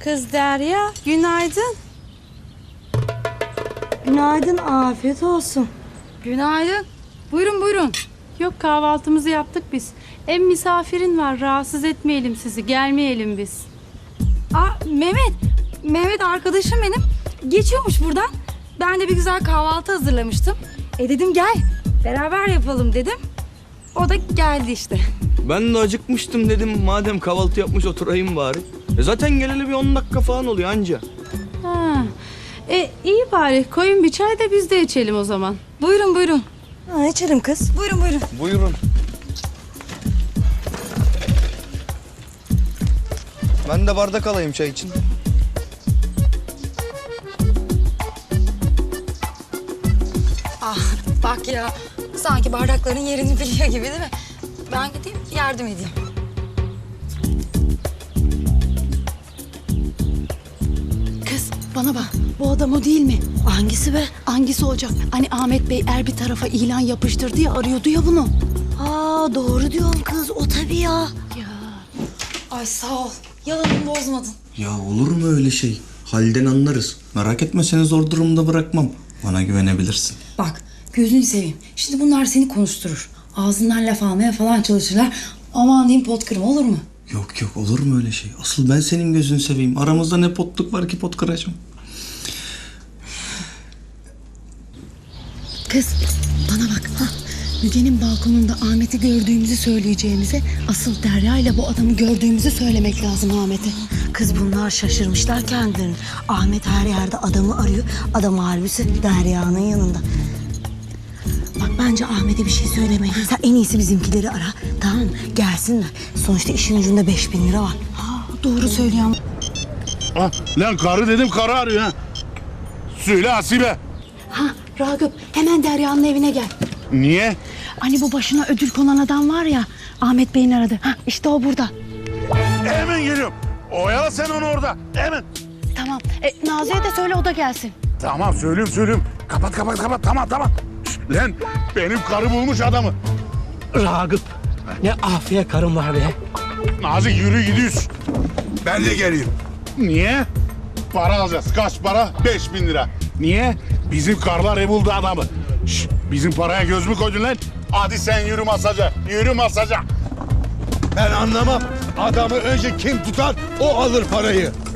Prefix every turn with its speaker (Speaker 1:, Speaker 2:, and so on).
Speaker 1: Kız Derya, günaydın.
Speaker 2: Günaydın, afiyet olsun.
Speaker 1: Günaydın. Buyurun buyurun. Yok, kahvaltımızı yaptık biz. Hem misafirin var, rahatsız etmeyelim sizi, gelmeyelim biz.
Speaker 3: Mehmet arkadaşım benim. Geçiyormuş buradan. Ben de bir güzel kahvaltı hazırlamıştım. Dedim gel, beraber yapalım dedim. O da geldi işte.
Speaker 4: Ben de acıkmıştım dedim. Madem kahvaltı yapmış oturayım bari. Zaten geleli bir 10 dakika falan oluyor anca.
Speaker 1: Ha. İyi bari, koyun bir çay da biz de içelim o zaman.
Speaker 3: Buyurun buyurun.
Speaker 2: Ha, içelim kız.
Speaker 3: Buyurun buyurun.
Speaker 4: Buyurun. Ben de bardak alayım çay için.
Speaker 3: Bak ya, sanki bardakların yerini biliyor gibi değil mi? Ben gideyim yardım edeyim.
Speaker 5: Kız bana bak, bu adam o değil mi?
Speaker 2: Hangisi be?
Speaker 5: Hangisi olacak? Hani Ahmet Bey bir tarafa ilan yapıştırdı ya, arıyordu ya bunu.
Speaker 2: Aa, doğru diyorsun kız, o tabii ya.
Speaker 3: Ay sağ ol. Yalanımı bozmadın.
Speaker 6: Ya olur mu öyle şey? Halden anlarız. Merak etme, seni zor durumda bırakmam. Bana güvenebilirsin.
Speaker 3: Bak gözünü seveyim. Şimdi bunlar seni konuşturur. Ağzından laf almaya falan çalışırlar. Aman diyeyim pot kırma, olur mu?
Speaker 6: Yok yok, olur mu öyle şey? Asıl ben senin gözünü seveyim. Aramızda ne potluk var ki pot kıracağım.
Speaker 5: Kız bana bak. Müge'nin balkonunda Ahmet'i gördüğümüzü söyleyeceğimize asıl Derya ile bu adamı gördüğümüzü söylemek lazım Ahmet'e.
Speaker 2: Kız bunlar şaşırmışlar kendilerini. Ahmet her yerde adamı arıyor. Adam harbisi Derya'nın yanında. Bak bence Ahmet'e bir şey söylemeyin. Sen en iyisi bizimkileri ara. Tamam mı? Gelsinler. Sonuçta işin ucunda 5.000 lira var.
Speaker 5: Doğru söylüyorum.
Speaker 7: Lan karı dedim, karı arıyor ha. Söyle Asibe.
Speaker 5: Ragıp hemen Derya'nın evine gel.
Speaker 7: Niye?
Speaker 5: Hani bu başına ödül konan adam var ya, Ahmet Bey'in aradı. İşte o burada.
Speaker 7: Hemen geliyorum. Oyala sen onu orada. Hemen.
Speaker 5: Tamam. Nazi'ye de söyle, o da gelsin.
Speaker 7: Tamam söylüyorum. Kapat. Tamam. Şş, lan benim karı bulmuş adamı.
Speaker 8: Ragıp, ne afiyet karın var be.
Speaker 7: Nazik yürü gidiyoruz. Ben de geleyim. Niye? Para alacağız. Kaç para? 5.000 lira. Niye? Bizim karlar buldu adamı. Şş, bizim paraya göz mü koydun lan? Hadi sen yürü masaja.
Speaker 9: Ben anlamam. Adamı önce kim tutar, o alır parayı.